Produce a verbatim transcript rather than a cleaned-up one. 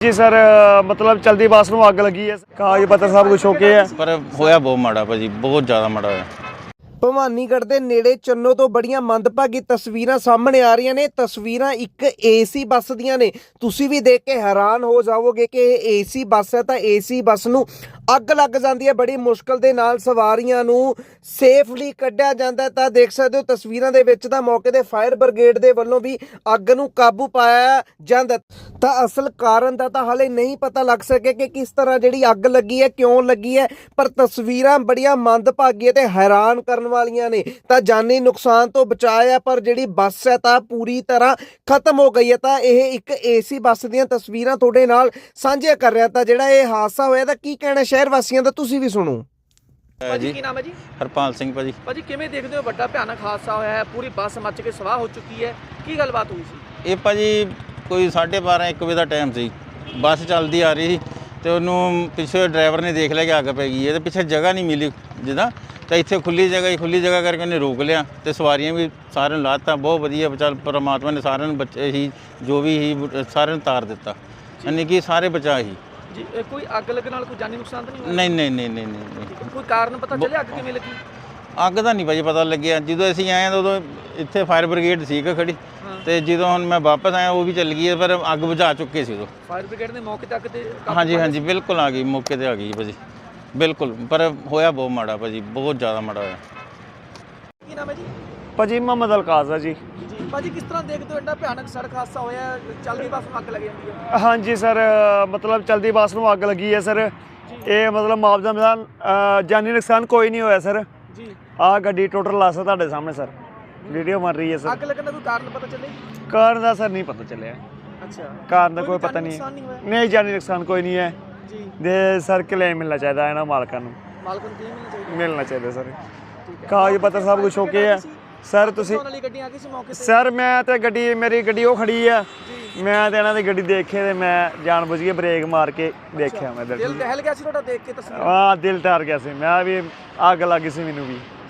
जी sir मतलब चलती बस में अग लगी है, कागज पत्र सब कुछ ओके है, पर होया बहुत माड़ा भाजी, बहुत ज़्यादा माड़ा होया। ਭਵਾਨੀਗੜ੍ਹ ਦੇ ਨੇੜੇ ਚੰਨੋ ਤੋਂ ਬੜੀਆਂ ਮੰਦਭਾਗੀ ਤਸਵੀਰਾਂ ਸਾਹਮਣੇ ਆ ਰਹੀਆਂ ਨੇ। ਤਸਵੀਰਾਂ ਇੱਕ ਏਸੀ ਬੱਸ ਦੀਆਂ ਨੇ। ਤੁਸੀਂ ਵੀ ਦੇਖ ਕੇ ਹੈਰਾਨ ਹੋ ਜਾਵੋਗੇ ਕਿ ਇਹ ਏਸੀ ਬੱਸ ਹੈ ਤਾਂ ਏਸੀ ਬੱਸ ਨੂੰ ਅੱਗ ਲੱਗ ਜਾਂਦੀ ਹੈ। ਬੜੀ ਮੁਸ਼ਕਲ ਦੇ ਨਾਲ ਸਵਾਰੀਆਂ ਨੂੰ ਸੇਫਲੀ ਕੱਢਿਆ ਜਾਂਦਾ ਤਾਂ ਦੇਖ ਸਕਦੇ ਹੋ ਤਸਵੀਰਾਂ ਦੇ ਵਿੱਚ ਤਾਂ ਮੌਕੇ ਤੇ ਫਾਇਰ ਬ੍ਰਿਗੇਡ ਦੇ ਵੱਲੋਂ ਵੀ ਅੱਗ ਨੂੰ ਕਾਬੂ ਪਾਇਆ ਜਾਂਦਾ। ਤਾਂ ਅਸਲ ਕਾਰਨ ਦਾ ਤਾਂ ਹਾਲੇ ਨਹੀਂ ਪਤਾ ਲੱਗ ਸਕਿਆ ਕਿ ਕਿਸ ਤਰ੍ਹਾਂ ਜਿਹੜੀ ਅੱਗ ਲੱਗੀ ਹੈ, ਕਿਉਂ ਲੱਗੀ ਹੈ, ਪਰ ਤਸਵੀਰਾਂ ਬੜੀਆਂ ਮੰਦਭਾਗੀਆਂ ਤੇ ਹੈਰਾਨ ਕਰਨ ਵਾਲੀਆਂ ਨੇ। ਤਾਂ ਜਾਨੀ ਨੁਕਸਾਨ ਤੋਂ ਬਚਾਇਆ ਪਰ ਜਿਹੜੀ ਬੱਸ ਹੈ ਤਾਂ ਪੂਰੀ ਤਰ੍ਹਾਂ ਖਤਮ ਹੋ ਗਈ ਹੈ। ਤਾਂ ਇਹ ਇੱਕ ਏਸੀ ਬੱਸ ਦੀਆਂ ਤਸਵੀਰਾਂ ਤੁਹਾਡੇ ਨਾਲ ਸਾਂਝੀਆਂ ਕਰ ਰਿਹਾ। ਤਾਂ ਜਿਹੜਾ ਇਹ ਹਾਦਸਾ ਹੋਇਆ ਤਾਂ ਕੀ ਕਹਿਣਾ ਸ਼ਹਿਰ ਵਾਸੀਆਂ ਦਾ, ਤੁਸੀਂ ਵੀ ਸੁਣੋ। ਭਾਜੀ ਕੀ ਨਾਮ ਹੈ ਜੀ? ਹਰਪਾਲ ਸਿੰਘ ਭਾਜੀ। ਭਾਜੀ ਕਿਵੇਂ ਦੇਖਦੇ ਹੋ ਵੱਡਾ ਭਿਆਨਕ ਹਾਦਸਾ ਹੋਇਆ ਹੈ, ਪੂਰੀ ਬੱਸ ਮੱਚ ਕੇ ਸਵਾਹ ਹੋ ਚੁੱਕੀ ਹੈ, ਕੀ ਗੱਲਬਾਤ ਹੋਈ ਸੀ? ਇਹ ਭਾਜੀ ਕੋਈ ਸਾਢੇ ਬਾਰਾਂ ਇੱਕ ਵਜੇ ਦਾ ਟਾਈਮ ਸੀ, ਬੱਸ ਚੱਲਦੀ ਆ ਰਹੀ ਸੀ ਤੇ ਉਹਨੂੰ ਪਿੱਛੇ ਡਰਾਈਵਰ ਨੇ ਦੇਖ ਲਿਆ ਕਿ ਅੱਗ ਪੈ ਗਈ ਹੈ ਤੇ ਪਿੱਛੇ ਜਗ੍ਹਾ ਨਹੀਂ ਮਿਲੀ ਜਿੱਦਾਂ, ਤਾਂ ਇੱਥੇ ਖੁੱਲੀ ਜਗ੍ਹਾ ਹੀ ਖੁੱਲੀ ਜਗ੍ਹਾ ਕਰਕੇ ਉਹਨੇ ਰੋਕ ਲਿਆ ਤੇ ਸਵਾਰੀਆਂ ਵੀ ਸਾਰਿਆਂ ਨੂੰ ਲਾਤਾ। ਬਹੁਤ ਵਧੀਆ ਚੱਲ ਪਰਮਾਤਮਾ ਨੇ ਸਾਰਿਆਂ ਨੂੰ ਬੱਚੇ ਹੀ ਜੋ ਵੀ ਹੀ ਸਾਰਿਆਂ ਨੂੰ ਤਾਰ ਦਿੱਤਾ, ਯਾਨੀ ਕਿ ਸਾਰੇ ਬਚਾ ਹੀ ਜੀ। ਇਹ ਕੋਈ ਅੱਗ ਲੱਗਣ ਨਾਲ ਕੋਈ ਜਾਨੀ ਨੁਕਸਾਨ ਤਾਂ ਨਹੀਂ ਹੋਇਆ? ਨਹੀਂ ਨਹੀਂ ਨਹੀਂ ਨਹੀਂ ਨਹੀਂ ਕੋਈ ਕਾਰਨ ਪਤਾ ਚੱਲਿਆ ਅੱਗ ਕਿਵੇਂ ਲੱਗੀ? ਅੱਗ ਦਾ ਨਹੀਂ ਭਾਜੀ ਪਤਾ ਲੱਗਿਆ। ਜਦੋਂ ਅਸੀਂ ਆਏ ਤਾਂ ਉਦੋਂ ਇੱਥੇ ਫਾਇਰ ਬ੍ਰਿਗੇਡ ਸੀ ਖੜੀ ਤੇ ਜਦੋਂ ਹੁਣ ਮੈਂ ਵਾਪਸ ਆਇਆ ਉਹ ਵੀ ਚੱਲ ਗਈ ਹੈ, ਪਰ ਅੱਗ ਬੁਝਾ ਚੁੱਕੇ ਸੀ ਉਦੋਂ। ਫਾਇਰ ਬ੍ਰਿਗੇਡ ਨੇ ਮੌਕੇ ਤੇ ਅੱਗ ਤੇ ਕਾਬੂ ਹਾਂਜੀ ਪਾਇਆ ਹਾਂਜੀ ਬਿਲਕੁਲ ਆ ਗਈ, ਮੌਕੇ ਤੇ ਆ ਗਈ ਭਾਜੀ ਬਿਲਕੁਲ, ਪਰ ਹੋਇਆ ਬਹੁਤ ਮਾੜਾ ਭਾਜੀ, ਬਹੁਤ ਜ਼ਿਆਦਾ ਮਾੜਾ ਹੋਇਆ। ਕੀ ਨਾਮ ਹੈ ਜੀ? ਭਾਜੀ ਮੁਹੰਮਦ ਅਲਕਾਜ਼ ਹੈ ਜੀ। ਜੀ ਭਾਜੀ ਕਿਸ ਤਰ੍ਹਾਂ ਦੇਖਦੇ ਹੋ ਐਡਾ ਭਿਆਨਕ ਸੜਕ ਹਾਦਸਾ ਹੋਇਆ ਹੈ, ਚੱਲਦੀ ਬੱਸ ਨੂੰ ਅੱਗ ਲੱਗ ਜਾਂਦੀ ਹੈ? ਹਾਂਜੀ ਸਰ मतलब चलती बस में अग लगी है सर। ये मतलब मुआवजा मिलान जानी नुकसान कोई नहीं होया सर। ਜੀ आ गड्डी टोटल लास है ਤੁਹਾਡੇ ਸਾਹਮਣੇ ਸਰ, ਵੀਡੀਓ ਬਣ ਰਹੀ ਹੈ ਸਰ। ਅੱਗ ਲੱਗਣ ਦਾ ਕੋਈ ਕਾਰਨ ਪਤਾ ਚੱਲੇ? ਕਾਰਨ ਦਾ ਸਰ ਨਹੀਂ ਪਤਾ ਚੱਲਿਆ, ਅੱਛਾ ਕਾਰਨ ਦਾ ਕੋਈ ਕੋਈ ਪਤਾ ਜਾਨੀ ਨਹੀਂ ਨੁਕਸਾਨ ਨਹੀਂ ਹੋਇਆ? ਹੈ। ਨਹੀਂ ਜਾਨੀ ਨੁਕਸਾਨ ਕੋਈ ਨਹੀਂ ਹੈ ਜੀ ਦੇ ਸਰ ਕਲੇਮ ਮਿਲਣਾ ਚਾਹੀਦਾ ਇਹਨਾਂ ਮਾਲਕਾਂ ਨੂੰ, ਮਾਲਕ ਨੂੰ ਕਿਵੇਂ ਮਿਲਣਾ ਚਾਹੀਦਾ? ਮਿਲਣਾ ਚਾਹੀਦਾ ਸਰ। ਠੀਕ ਹੈ। ਕਾਗਜ਼ ਪੱਤਰ ਸਭ ਕੁਝ ਓਕੇ ਹੈ ਸਰ। ਤੁਸੀਂ ਉਹਨਾਂ ਵਾਲੀ ਗੱਡੀਆਂ ਆ ਗਈ ਸੀ ਮੌਕੇ ਤੇ? ਸਰ ਮੈਂ ਤੇ ਗੱਡੀ ਮੇਰੀ ਗੱਡੀ ਉਹ ਖੜੀ ਆ, ਮੈਂ ਤੇ ਇਹਨਾਂ ਦੀ ਗੱਡੀ ਦੇਖੇ ਤੇ ਮੈਂ ਜਾਣ ਬੁੱਝ ਕੇ ਬ੍ਰੇਕ ਮਾਰ ਕੇ ਦੇਖਿਆ। ਮੈਂ ਦਿਲ ਦਹਿਲ ਗਿਆ ਸੀ ਤੁਹਾਡਾ ਦੇਖ ਕੇ ਤਸਵੀਰ? ਹਾਂ ਦਿਲ ਟਾਰ ਗਿਆ ਸੀ, ਮੈਂ ਵੀ ਅੱਗ ਲੱਗ ਗਈ ਸੀ ਮੈਨੂੰ ਵੀ।